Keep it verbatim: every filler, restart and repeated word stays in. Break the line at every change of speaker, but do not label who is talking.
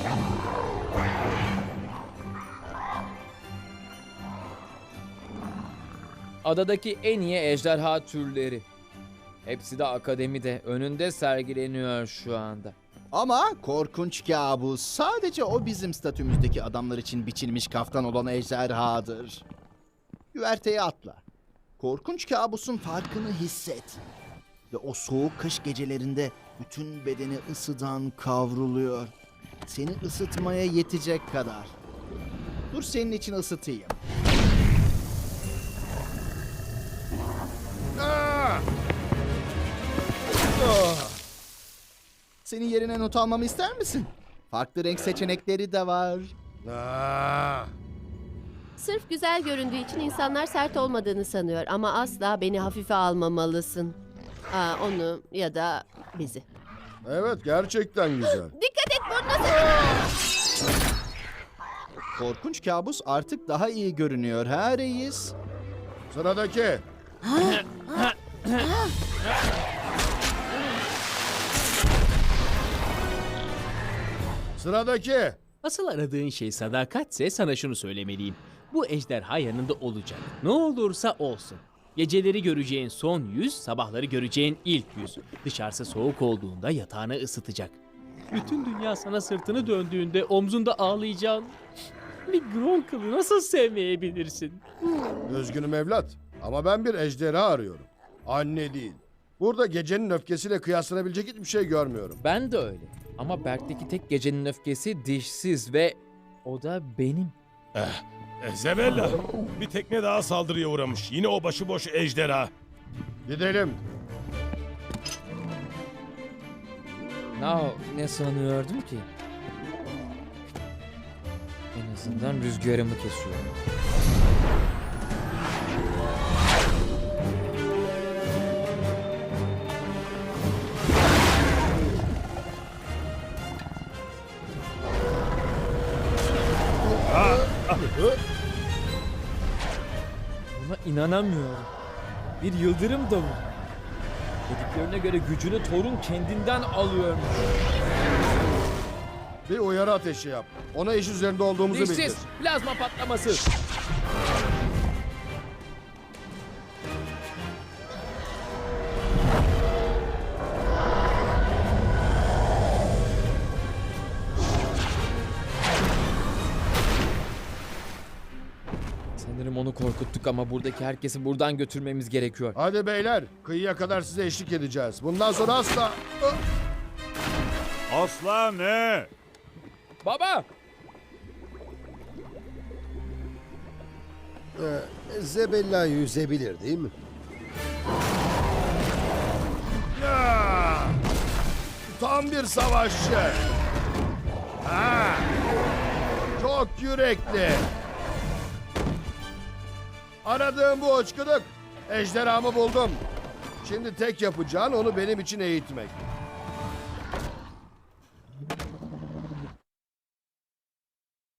Adadaki en iyi ejderha türleri. Hepsi de akademide, önünde sergileniyor şu anda.
Ama korkunç kabus sadece o bizim statümüzdeki adamlar için biçilmiş kaftan olan ejderhadır. Güverteye atla. Korkunç kabusun farkını hisset. Ve o soğuk kış gecelerinde bütün bedeni ısıdan kavruluyor. Seni ısıtmaya yetecek kadar. Dur senin için ısıtayım. Ah! Ah! Senin yerine not almamı ister misin? Farklı renk seçenekleri de var.
Aa,
Sırf güzel göründüğü için insanlar sert olmadığını sanıyor ama asla beni hafife almamalısın. Aa, onu ya da bizi.
evet gerçekten güzel.
Dikkat et burnuna.
Korkunç kabus artık daha iyi görünüyor ha reis?
Sıradaki. Sıradaki.
Asıl aradığın şey sadakatse sana şunu söylemeliyim. Bu ejderha yanında olacak. Ne olursa olsun. Geceleri göreceğin son yüz, sabahları göreceğin ilk yüz. Dışarısı soğuk olduğunda yatağını ısıtacak. Bütün dünya sana sırtını döndüğünde omzunda ağlayacağın bir Gronkle'ı nasıl sevmeyebilirsin?
Üzgünüm evlat ama ben bir ejderha arıyorum. Anne değil. Burada gecenin öfkesiyle kıyaslanabilecek hiçbir şey görmüyorum.
Ben de öyle. Ama Berk'teki tek gecenin öfkesi dişsiz ve o da benim.
Zebella, bir tekne daha saldırıya uğramış. Yine o başıboş ejderha.
Gidelim.
Now, ne sanıyordum ki? En azından rüzgarımı kesiyorum. Buna inanamıyorum. Bir yıldırım da bu. Dediklerine göre gücünü Thor'un kendinden alıyormuş.
Bir uyarı ateşi yap. Ona iş üzerinde olduğumuzu bildir.
Dişsiz, plazma patlaması. Sanırım onu korkuttuk ama buradaki herkesi buradan götürmemiz gerekiyor.
Hadi beyler, kıyıya kadar size eşlik edeceğiz. Bundan sonra asla...
Asla ne?
Baba!
Zebella yüzebilir değil mi?
Ya! Tam bir savaşçı. Ha! Çok yürekli. Aradığım bu uçkuduk. Ejderhamı buldum. Şimdi tek yapacağın onu benim için eğitmek.